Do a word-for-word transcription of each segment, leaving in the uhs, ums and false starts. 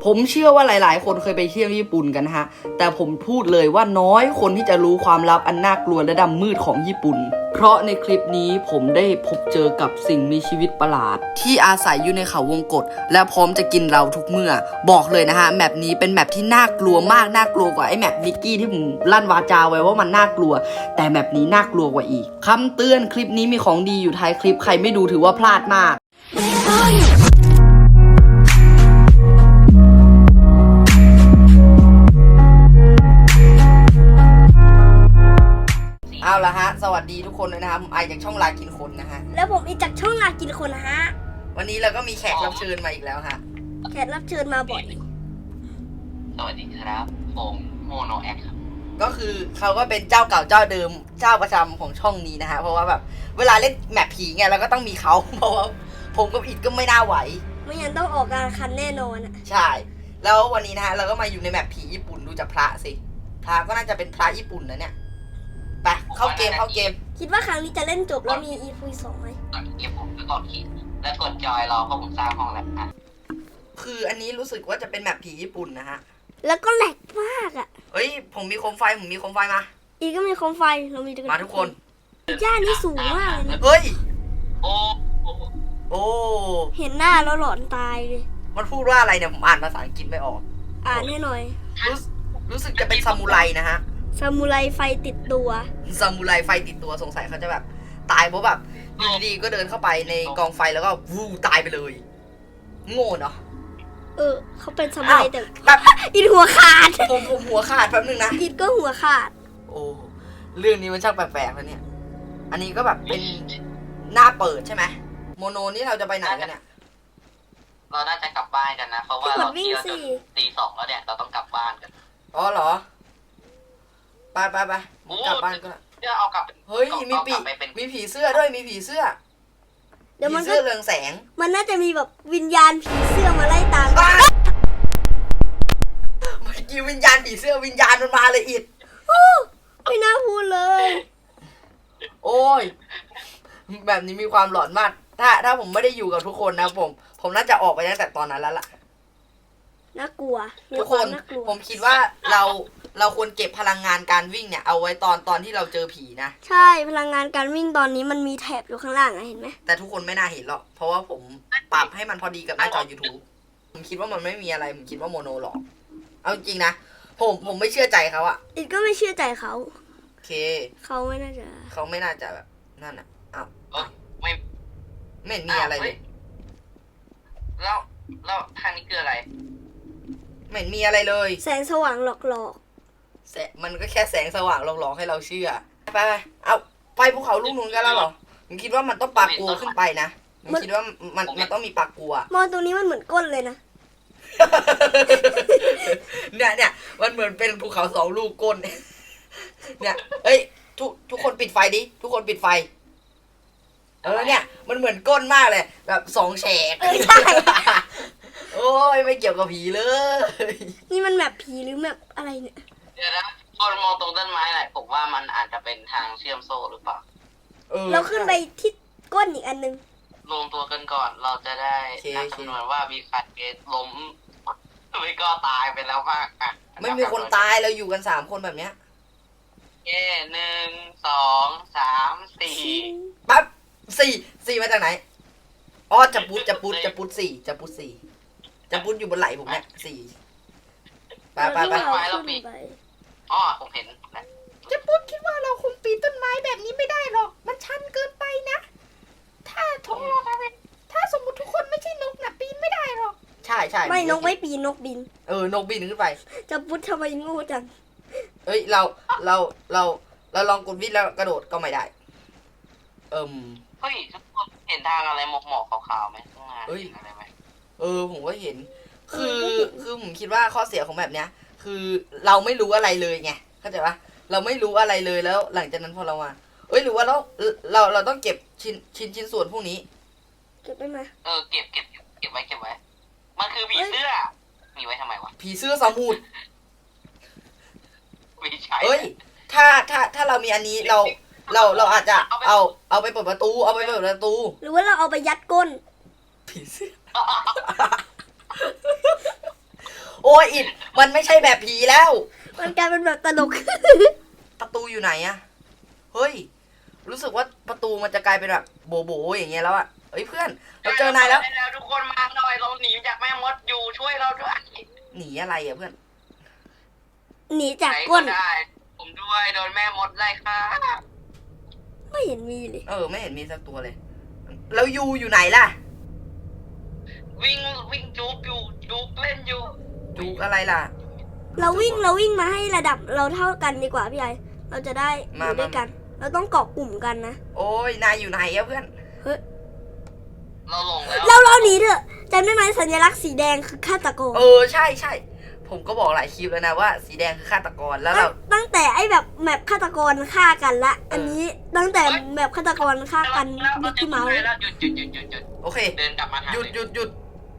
ผมเชื่อว่าหลายๆคนเคยไปเที่ยวญี่ปุ่นกันฮะแต่ผมพูดเลยว่าน้อยคนที่จะรู้ความลับอันน่ากลัวและดำมืดของญี่ปุ่นเพราะในคลิปนี้ผมได้พบเจอกับสิ่งมีชีวิตประหลาดที่อาศัยอยู่ในเขาวงกตและพร้อมจะกินเราทุกเมื่อบอกเลยนะฮะแมปนี้เป็นแมปที่น่ากลัวมากน่ากลัวกว่าไอ้แมปนิกกี้ที่ผมลั่นวาจาไว้ว่ามันน่ากลัวแต่แมปนี้น่ากลัวกว่าอีกคำเตือนคลิปนี้มีของดีอยู่ท้ายคลิปใครไม่ดูถือว่าพลาดมากเอาละฮะสวัสดีทุกคนเลยนะครับผมไอจากช่องลากินคนนะฮะแล้วผมอีจากช่องลากินคนนะฮะวันนี้เราก็มีแขกรับเชิญมาอีกแล้วฮะแขกรับเชิญมาบ่อยสวัสดีครับผมโมโนแอคครับก็คือเขาก็เป็นเจ้าเก่าเจ้าเดิมเจ้าประจำของช่องนี้นะฮะเพราะว่าแบบเวลาเล่นแมปผีไงเราก็ต้องมีเขาเพราะว่าผมกับอิดก็ไม่น่าไหวไม่งั้นต้องออกการคันแน่นอนอ่ะใช่แล้ววันนี้นะฮะเราก็มาอยู่ในแมปผีญี่ปุ่นดูจากพระสิพระก็น่าจะเป็นพระญี่ปุ่นนะเนี่ยไปเข้าเกมเข้าเกมคิดว่าครั้งนี้จะเล่นจบแล้วมี อี พี สองไหมกดเกมผมก็กดขีดแล้วกดจอยรอเพราะผมสร้างห้องแล้วอ่ะคืออันนี้รู้สึกว่าจะเป็นแมปผีญี่ปุ่นนะฮะแล้วก็แหลกมากอ่ะเฮ้ยผมมีโคมไฟผมมีโคมไฟมาอีก็มีโคมไฟเรามีมาทุกคนย่านี่สูงมากเลยนะเฮ้ยโอ้โอ้เห็นหน้าแล้วหลอนตายเลยมันพูดว่าอะไรเนี่ยผมอ่านภาษาอังกฤษไม่ออกอ่านให้หน่อยรู้รู้สึกจะเป็นซามูไรนะฮะซามูไรไฟติดตัวซามูไรไฟติดตัวสงสัยเขาจะแบบตายเพราะแบบอยู่ดีๆก็เดินเข้าไปในกองไฟแล้วก็วูตายไปเลยโง่เนาะเออเขาเป็นซามูไรแต่แบบอิดหัวขาดผมผมหัวขาดแป๊บนึงนะอิดก็หัวขาดโอ้เรื่องนี้มันช่างแปลกๆแล้วเนี่ยอันนี้ก็แบบเป็นหน้าเปิดใช่ไหมโมโนนี่เราจะไปไหนกันเนี่ยเราน่าจะกลับบ้านกันนะเพราะว่าเราเที่ยวจนตีสองแล้วเนี่ยเราต้องกลับบ้านกันอ๋อเหรอไปไปไปกลับบ้านก็เดี๋ยวเอากลับเฮ้ยมีปีมีผีเสื้อด้วยมีผีเสื้อเดี๋ยวมันเสื้อเรืองแสงมันน่าจะมีแบบวิญญาณผีเสื้อมาไล่ตามเมื่อกี้วิญญาณผีเสื้อวิญญาณมันมาเลยอิดไม่น่าพูดเลยโอ้ยแบบนี้มีความหลอนมากถ้าถ้าผมไม่ได้อยู่กับทุกคนนะผมผมน่าจะออกไปตั้งแต่ตอนนั้นแล้วล่ะน่ากลัวทุกคนผมคิดว่าเราเราควรเก็บพลังงานการวิ่งเนี่ยเอาไว้ตอนตอนที่เราเจอผีนะใช่พลังงานการวิ่งตอนนี้มันมีแถบอยู่ข้างล่างอะเห็นไหมแต่ทุกคนไม่น่าเห็นหรอกเพราะว่าผมปรับให้มันพอดีกับหน้าจอ YouTube ผมคิดว่ามันไม่มีอะไรผมคิดว่าโมโนหรอกเอาจริงนะผมผมไม่เชื่อใจเขาอะอีกก็ไม่เชื่อใจเขาโอเคเขาไม่น่าจะเขาไม่น่าจะแบบนั่นอะอ้าวไม่ไม่เห็นมีอะไรเลยแล้วแล้วทางนี้คืออะไรไม่เห็นมีอะไรเลยแสงสว่างหลอกๆแสมันก็แค่แสงสว่างหลอกๆให้เราเชื่อไปไปเอาไปภูเขาลูกนู้นกันแล้วเหรอผมคิดว่ามันต้องปากกัวขึ้นไปนะผมคิดว่ามันมันต้องมีปากกัวมองตรงนี้มันเหมือนก้นเลยนะเนี่ยเนี่ยมันเหมือนเป็นภูเขาสองลูกก้นเนี่ยเอ้ยทุกทุกคนปิดไฟดิทุกคนปิดไฟเออเนี่ยมันเหมือนก้นมากเลยแบบสองแฉกใช่โอ้ยไม่เกี่ยวกับผีเลยนี่มันแบบผีหรือแบบอะไรเนี่ยเดี๋ยวนะคนมองตรงต้นไม้หน่อยผมว่ามันอาจจะเป็นทางเชื่อมโซ่หรือเปล่าเราขึ้นไปที่ก้นอีกอันนึงรวมตัวกันก่อนเราจะได้นับจำนวนว่ามีใครล้มไม่ก็ตายไปแล้วมากอ่ะไม่มีคนตายเราอยู่กันสามคนแบบเนี้ยเย่หนึ่งสองสามสี่ปั๊บสี่สี่มาจากไหนอ๋อจะปุดจะปุดจะปุดสี่จะปุดสี่จะปุดอยู่บนไหล่ผมเนี่ยสี่ไปไปไปเราปีอ๋อผมเห็นนะจะปุดคิดว่าเราคงปีนต้นไม้แบบนี้ไม่ได้หรอกมันชันเกินไปนะถ้าทุกถ้าสมมติทุกคนไม่ใช่นกนะปีนไม่ได้หรอกใช่ใช่ไม่นกไม่ปีนนกบินเออนกบินขึ้นไปจะปุดทำไมโง่จังเอ้ยเราเราเราเราลองกดวิ่งแล้วกระโดดก็ไม่ได้เอิ่มเฮ้ยทุกคนเห็นทางอะไรหมอกหมอกขาวๆไหมข้างหน้าเห็นอะไรไหมเออผมก็เห็นคือคือผมคิดว่าข้อเสียของแบบเนี้ยคือเราไม่รู้อะไรเลยไงเข้าใจปะเราไม่รู้อะไรเลยแล้วหลังจากนั้นพอเรามาเอ้ยหรือว่าเราเราเราต้องเก็บชิ้นชิ้นชิ้นส่วนพวกนี้เก็บได้ไหมเออเก็บเก็บเก็บไว้เก็บไว้มันคือผีเสื้อมีไว้ทำไมวะผีเสื้อสมุดไม่ใช่เอ้ยถ้าถ้าถ้าเรามีอันนี้เราเราเราอาจจะเอาเอาไปเปิดประตูเอาไปเปิดประตูหรือว่าเราเอาไปยัดก้นผีเสื้ออ้ยอิดมันไม่ใช่แบบผีแล้วมันกลายเป็นแบบตลกประตูอยู่ไหนอะเฮ้ยรู้สึกว่าประตูมันจะกลายเป็นแบบโบโบอย่างเงี้ยแล้วอะเฮ้ยเพื่อนเราเจอนายแล้วแล้วทุกคนมาหน่อยเราหนีจากแม่มดอยู่ช่วยเราด้วยหนีอะไรอะเพื่อนหนีจากไหนก้นได้ผมด้วยโดนแม่มดไล่ฆ่าไม่เห็นมีเลยเออไม่เห็นมีสักตัวเลยแล้วยูอยู่ไหนล่ะวิ่งวิ่งจุกอยู่จุกเล่นอยู่จูกอะไรล่ะเราวิ่งเราวิ่งมาให้ระดับเราเท่ากันดีกว่าพี่ไอเราจะได้อมายู่ด้วยกัน เราต้องเกาะกลุ่มกันนะโอ้ยนายอยู่ไหนอะเพื่อนเฮ้ยเราหลงแล้วเราเราหนีเถอะจำได้ไหมสัญลักษณ์สีแดงคือฆาตกรเออใช่ใช่ผมก็บอกหลายคลิปแล้วนะว่าสีแดงคือฆาตกรแล้วเราตั้งแต่ไอ้แบบแมปฆาตกรฆ่ากันละเอออัอันนี้ตั้งแต่แมปฆาตกรฆ่ากันแล้วมิกกี้เมาส์แล้วหยุดหยุดหยุดหยุดหยุดโอเคเดินกลับมาทางหยุดเมหยุดหยุด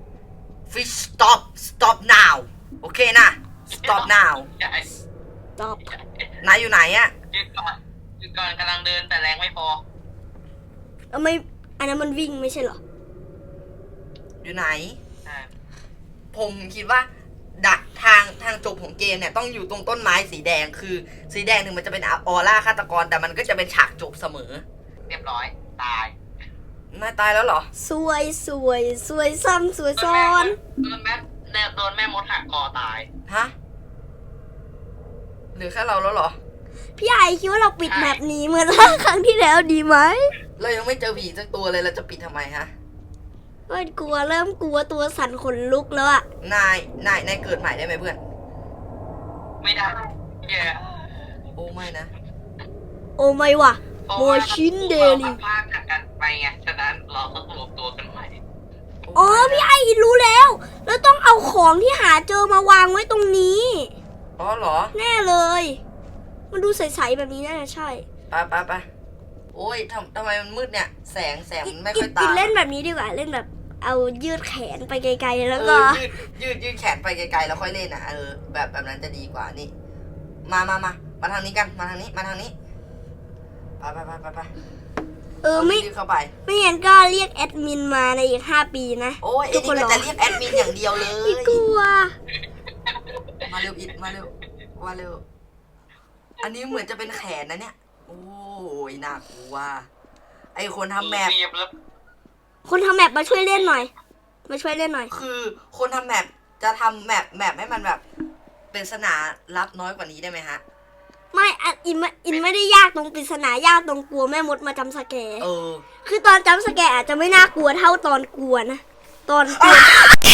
fish stop stop now โอเคนะ stop now ใช่ตอบนายอยู่ไหนอะหยุดก่อนหยุดก่อนกำลังเดินแต่แรงไม่พอเอาไม่อันนั้นมันวิ่งไม่ใช่เหรออยู่ไหนใช่ผมคิดว่าดักทางทางจบของเกมเนี่ยต้องอยู่ตรงต้นไม้สีแดงคือสีแดงถึงมันจะเป็นออร่าฆาตกรแต่มันก็จะเป็นฉากจบเสมอเรียบร้อยตายนายตายแล้วเหรอสวยสวยสวยซ้ำสวยซ้อนโดนแม่โดนแม่มดหักคอตายฮะเหลือแค่เราแล้วเหรอพี่ไอคิดว่าเราปิดแมปนี้เหมือนครั้งที่แล้วดีไหมเรายังไม่เจอผีสักตัวเลยเราจะปิดทำไมฮะก็กลัวเริ่มกลัวตัวสั่นขนลุกแล้วอะนาย นาย นายเกิดใหม่ได้ไหมเพื่อนไม่ได้แย่โอ้ไม่นะโอ้ไม่ว่ะเพราะโมว่าชินเดลิพากันกันไปไงฉะนั้นเราต้องรวมตัวกันใหม่โอ๋อไม่นะพี่ไอรู้แล้ว แล้วต้องเอาของที่หาเจอมาวางไว้ตรงนี้อ๋อเหรอแน่เลย มันดูใสๆแบบนี้น่าจะใช่ไปไปไปโอ้ยทำทำไมมันมืดเนี่ย แสงแสงอิมันไม่อิค่อยอิตามเล่นแบบนี้ดีกว่า เล่นแบบเอายืดแขนไปไกลๆแล้วเอก็อยืดยืดยืดแขนไปไกลๆแล้วค่อยเล่นอ่ะ เออ แบบแบบนั้นจะดีกว่านี่ มามามามาทางนี้กัน มาทางนี้ มาทางนี้ ไปไปไปไปไปเออไม่ยืดเข้าไปไม่งั้นก็เรียกแอดมินมาในอีกห้าปีนะโอ้ยไอ้นี่ก็จะเรียกแอดมินอย่างเดียวเลยอีกลัวมาเร็วอิดมาเร็วมาเร็ว อันนี้เหมือนจะเป็นแขนนะเนี่ย โอ้ยน่ากลัว ไอคนทำแมปเรียบแล้วคนทำแมปมาช่วยเล่นหน่อย มาช่วยเล่นหน่อยคือคนทำแมปจะทำแมปแมปให้มันแบบเป็นสนาลับน้อยกว่านี้ได้ไหมฮะไม่อ่ะอินไม่อินไม่ได้ยากตรงปริศนายากตรงกลัวแม่มดมาจำสแกร์เออคือตอนจำสแกร์อาจจะไม่น่ากลัวเท่าตอนกลัวนะ ตอนกลัว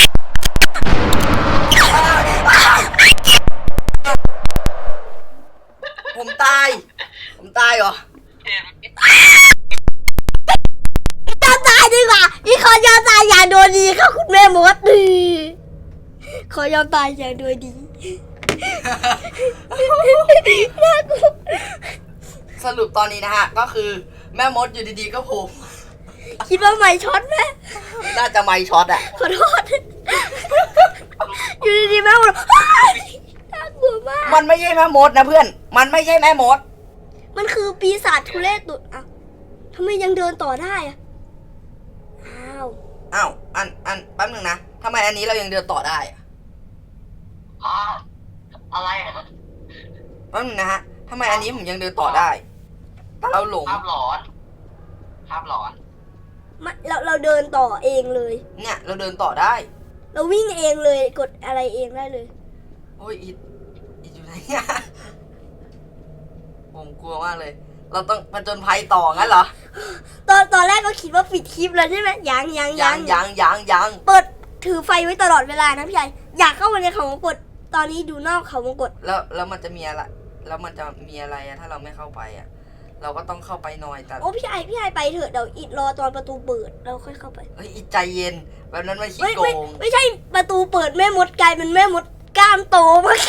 ผมตาย ผมตายเหรอเห็นยอมตายดีกว่าอีขอยอมตายอย่างโดยดีค่ะคุณแม่มดดีขอยอมตายอย่างโดยดีน่ากลัวสรุปตอนนี้นะฮะ ก็คือแม่มดอยู่ดีๆก็โผล่คิดว่าไม่ช็อตไหมน่าจะไม่ช็อตอะขอโทษ อยู่ดีๆแม่มดน่ากลัวมากมันไม่ใช่แม่มดนะเพื่อน มันไม่ใช่แม่มดมันคือปีศาจทุเรศตุดอ่ะทำไมยังเดินต่อได้อ่ะ อ้าวอ้าว อัน อัน แป๊บหนึงนะทำไมอันนี้เรายังเดินต่อได้อะอ๋ออะไรอะแป๊บหนึงนะฮะทำไมอันนี้ผมยังเดินต่อได้แต่เราหลงภาพหลอนภาพหลอนมาเราเราเดินต่อเองเลยเนี่ย เราเดินต่อได้เราวิ่งเองเลยกดอะไรเองได้เลยโอ้ยอิดอิดอยู่ไหนเนี่ยผมกลัวมากเลย เราต้องผจญภัยต่องั้นเหรอตอนตอนแรกก็คิดว่าปิดคลิปแล้วใช่ไหมยังยังยังยังยังยังเปิดถือไฟไว้ตลอดเวลานะพี่ใหญ่อยากเข้ามาในเขาวงกตตอนนี้ดูนอกเขาวงกตแล้วแล้วมันจะมีอะไรแล้วมันจะมีอะไรอะถ้าเราไม่เข้าไปอะเราก็ต้องเข้าไปหน่อยแต่โอ้พี่ใหญ่พี่ใหญ่ไปเถอะเดี๋ยวอิดรอตอนประตูเปิดเราค่อยเข้าไปเฮ้ยอิดใจเย็นแบบนั้นมันขี้ไม่โกไม่งไม่ใช่ประตูเปิดแม่มดกลายเป็นแม่มดกล้ามโตมาก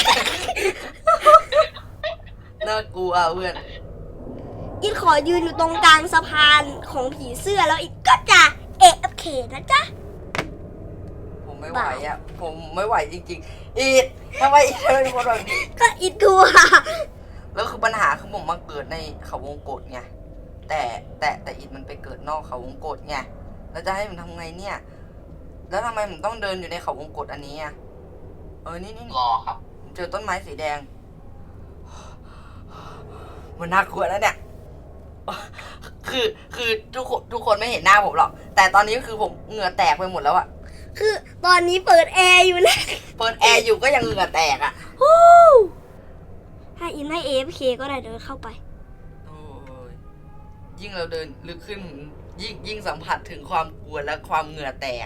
น่ากลัวเพื่อนอิดขอยืนอยู่ตรงกลางสะพานของผีเสื้อแล้วอิดก็จะเอฟเคนะจ๊ะผมไม่ไหวอะผมไม่ไหวจริงๆอิดทำไมอิดทำไมเป็นคนแบบนี้ก็อิดกลัวแล้วคือปัญหาคือผมมาเกิดในเขาวงกตไงแต่แต่แต่อิดมันไปเกิดนอกเขาวงกตไงแล้วจะให้ผมทำไงเนี่ย แล้วทำไมผมต้องเดินอยู่ในเขาวงกตอันนี้อะเออนี่นี่รอครับเจอต้นไม้สีแดง มันน่ากลัวแล้วเนี่ย คือคือทุกคนทุกคนไม่เห็นหน้าผมหรอก แต่ตอนนี้คือผมเหงื่อแตกไปหมดแล้วอะคือตอนนี้เปิดแอร์อยู่นะเปิดแอร์อยู่ก็ยังเหงื่อแตกอะฮู้ถ้าอินให้ เอ เอฟ เค ก็ได้เดินเข้าไปโอ้ยยิ่งเราเดินลึกขึ้น ยิ่งยิ่งสัมผัสถึงความกลัวและความเหงื่อแตก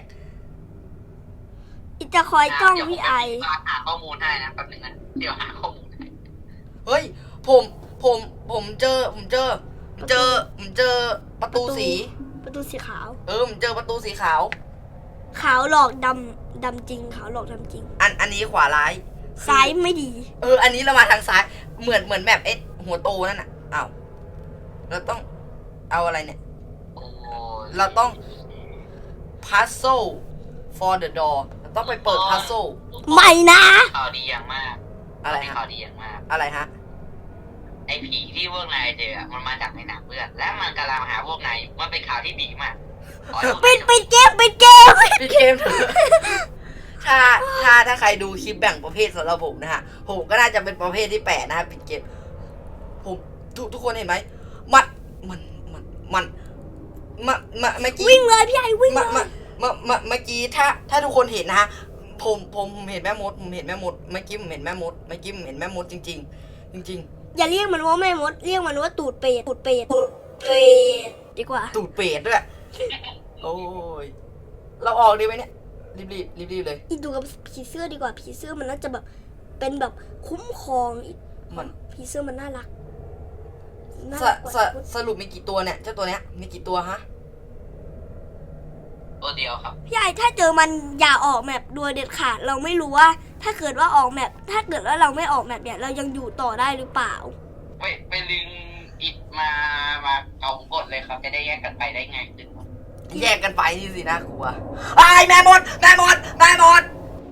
อินจะคอยจ้องเดี๋ยวผมพี่ไอไปหาข้อมูลให้นะแป๊บนึงนะเดี๋ยวหาข้อมูลให้เฮ้ย ผมผมผมเจอ ผมเจอผมเจอผมเจอประตูสีประตูสีขาวเออผมเจอประตูสีขาวขาวหลอกดำดำจริงขาวหลอกดำจริงอันอันนี้ขวาร้ายซ้ายไม่ดีเออ อันนี้เรามาทางซ้าย เหมือนเหมือนแบบเอ็ดหัวโตนั่นน่ะอ้าวเราต้องเอาอะไรเนี่ยโอ้ยเราต้อง puzzle for the door เราต้องไปเปิด puzzle ไม่นะข่าวดีอย่างมากอะไรมีฮะข่าวดีอย่างมากอะไรฮะไอ้ผีที่พวกนายเจออะมันมาจากในหนังเพื่อนและมันกำลังหาพวกนายมันเป็นข่าวที่ดีมากขอให้พวกปินายดจงปิดเกมปิดเกมพี่เกม ถ้าถ้าถ้าใครดูคลิปแบ่งประเภทสำหรับผมนะฮะ ผมก็น่าจะเป็นประเภทที่แปดนะฮะปิดเกม ผมทุกทุกคนเห็นไหมมันมันมันมันมามาเมื่อกี้วิ่งเลยพี่ไอวิ่งเลมาย มามามาเมื่อกี้ถ้าถ้าทุกคนเห็นนะฮะ ผมผมผมเห็นแม่มด ผมเห็นแม่มด เมื่อกี้ผมเห็นแม่มด เมื่อกี้ผมเห็นแม่มดจริง ๆ จริงอย่าเรียกมันว่าแม่มด เรียกมันว่าตูดเป็ดตูดเป็ดตูดเป็ดดีกว่าๆ ตูดเป็ดด้วย โอ้ย เราออกดีไหมเนี่ย รีบรีบรีบรีบเลยอีดูกับผีเสื้อดีกว่าผีเสื้อมันน่าจะแบบเป็นแบบคุ้มครองอีมันผีเสื้อมันน่ารักน่าสรักกว่าสสรุปมีกี่ตัวเนี่ย เจ้าตัวเนี้ย มีกี่ตัวฮะตัวเดียวครับพี่ไอถ้าเจอมันอย่าออกแมปโดยเด็ดขาดเราไม่รู้ว่า ถ้าเกิดว่าออกแมปถ้าเกิดว่าเราไม่ออกแมปเนี่ยเรายังอยู่ต่อได้หรือเปล่าไปไปลึงอิดมามาเอากดเลยครับ จะได้แยกกันไปได้ง่ายขึ้นครับแยกกันไปนี่สินะครูอะไอ้ายแม่มด แม่มด แม่มด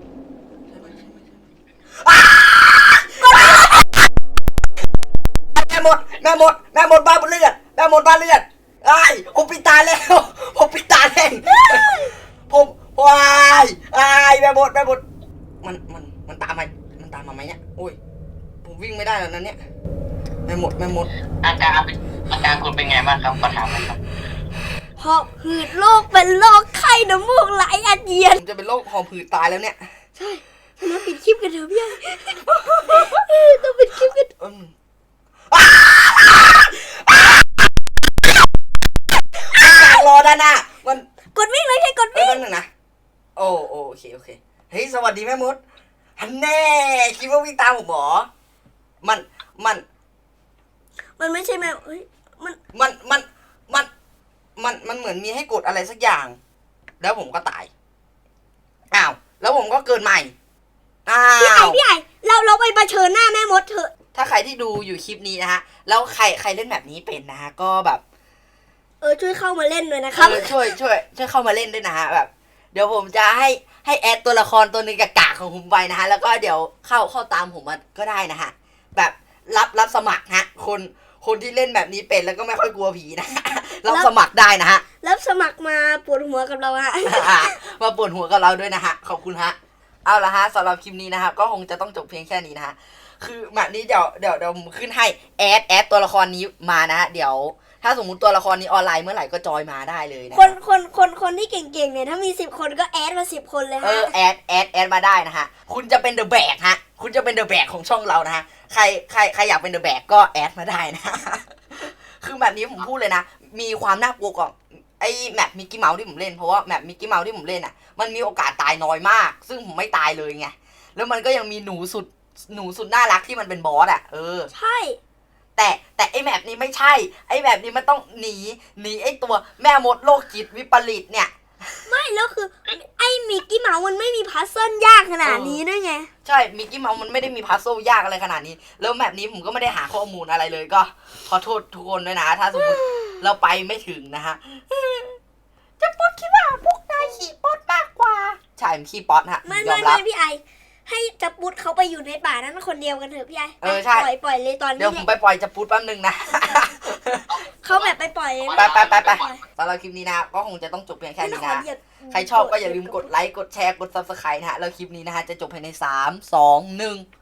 อ้าแม่มด แม่มด แม่มดบ้าเลือด แม่มดบ้าเลือดไอ้ายผมปิดตาแล้ว ผมปิดตาแล้วผมวายไอ้ายแม่มด แม่มด มันมันมันตามมามันตามมาไหมเนี่ยโอ้ย ผมวิ่งไม่ได้แล้วนั้นเนี่ย แม่มด แม่มดอาการเป็นอาการคุณเป็นไงบ้างครับขอถามหน่อยครับเพราะหืดโรคเป็นโรคไข้น้ำมูกไหลอาเจียนผมจะเป็นโรคหอบหืดตายแล้วเนี่ยใช่ฉะนั้นปิดคลิปกันเถอะพี่ไอต้องปิดคลิปกันอืมอ้าวรอด้านหน้ามันกดวิ่งเลยใช่กดเอ้ยวิ่งแป๊บนึงนะ โอ้โอโอเคโอเค เฮ้ยสวัสดีแม่มดฮันแน่คิดว่าวิ่งตามผมเหรอ มันมันมันไม่ใช่แมวเฮ้ยมันมันมันมันมันมันเหมือนมีให้กดอะไรสักอย่าง แล้วผมก็ตายอ้าวแล้วผมก็เกิดใหม่อ้าพี่ไอวพี่ไอเราเราไปเผชิญหน้าแม่มดเถอะถ้าใครที่ดูอยู่คลิปนี้นะฮะแล้วใครใครเล่นแบบนี้เป็นนะฮะก็แบบเออช่วยเข้ามาเล่นด้วยนะครับเออช่วยช่วยช่วยเข้ามาเล่นด้วยนะฮะแบบ เดี๋ยวผมจะให้ให้แอดตัวละครตัวหนึงกากๆของผมไปนะฮะแล้วก็เดี๋ยวเข้าเข้าตามผมมาก็ได้นะฮะแบบรับรับสมัครฮะคนคนที่เล่นแบบนี้เป็นแล้วก็ไม่ค่อยกลัวผีนะ ฮะรับสมัครได้นะฮะรับสมัครมาปวดหัวกับเราฮะมาปวดหัวกับเราด้วยนะฮะขอบคุณฮะเอาละฮะสำหรับคลิปนี้นะฮะก็คงจะต้องจบเพียงแค่นี้นะฮะคือแบบนี้เดี๋ยวเดี๋ยวเดี๋ยวผมขึ้นให้แอดแอดตัวละครนี้มานะฮะเดี๋ยว ถ้าสมมุติตัวละครนี้ออนไลน์เมื่อไหร่ก็จอยมาได้เลยนะคนคนคนคนที่เก่งๆเนี่ยถ้ามีสิบคนก็แอดมาสิบคนเลยเอฮะอแอดแอดแอดมาได้นะฮะคุณจะเป็นเดอะแบกฮะคุณจะเป็นเดอะแบกของช่องเรานะฮะใครใครใครอยากเป็นเดอะแบกก็แอดมาได้นะ คือแบบนี้ผมพูดเลยนะมีความน่ากลัวกว่าไอ้แมปมิกกี้เมาส์ที่ผมเล่นเพราะว่าแมปมิกกี้เมาส์ที่ผมเล่นอ่ะมันมีโอกาสตายน้อยมาก ซึ่งผมไม่ตายเลยไงแล้วมันก็ยังมีหนูสุดหนูสุดน่ารักที่มันเป็นบอสอ่ะเออใช่แต่แต่ไอ้แมปนี้ไม่ใช่ไอ้แมปนี้มันต้องหนีหนีไอ้ตัวแม่มดโรคจิตวิปริตเนี่ยไม่แล้วคือไอ้มิกกี้เมาส์มันไม่มีพัซเซิลยากขนาดนี้ด้วยไงใช่มิกกี้เมาส์มันไม่ได้มีพัซโซลยากอะไรขนาดนี้แล้วแมปนี้ผมก็ไม่ได้หาข้อมูลอะไรเลยก็ขอโทษทุกคนด้วยนะถ้าสมมติเราไปไม่ถึงนะฮะจะป๊อดคิดว่าพวกนายขี่ป๊อดมากกว่าใช่ผมขี่ป๊อดฮะไม่ยอไม่มรัไม่บพี่ไอให้จับปุดเขาไปอยู่ในป่านั้นคนเดียวกันเถอะพี่ไอ้เออใช่ปล่อยปล่อยเลยตอนนี้เดี๋ยวผมไปปล่อยจะพูดแป๊บนึงนะเขาแบบไปปล่อยไปไปไปไปสำหรับคลิปนี้นะก็คงจะต้องจบเพียงแค่นี้นะ ใครชอบก็อย่าลืมกดไลค์ กดแชร์ กด ซับสไครบ์ นะฮะ แล้วคลิปนี้นะฮะ จะจบภายในสาม สอง หนึ่ง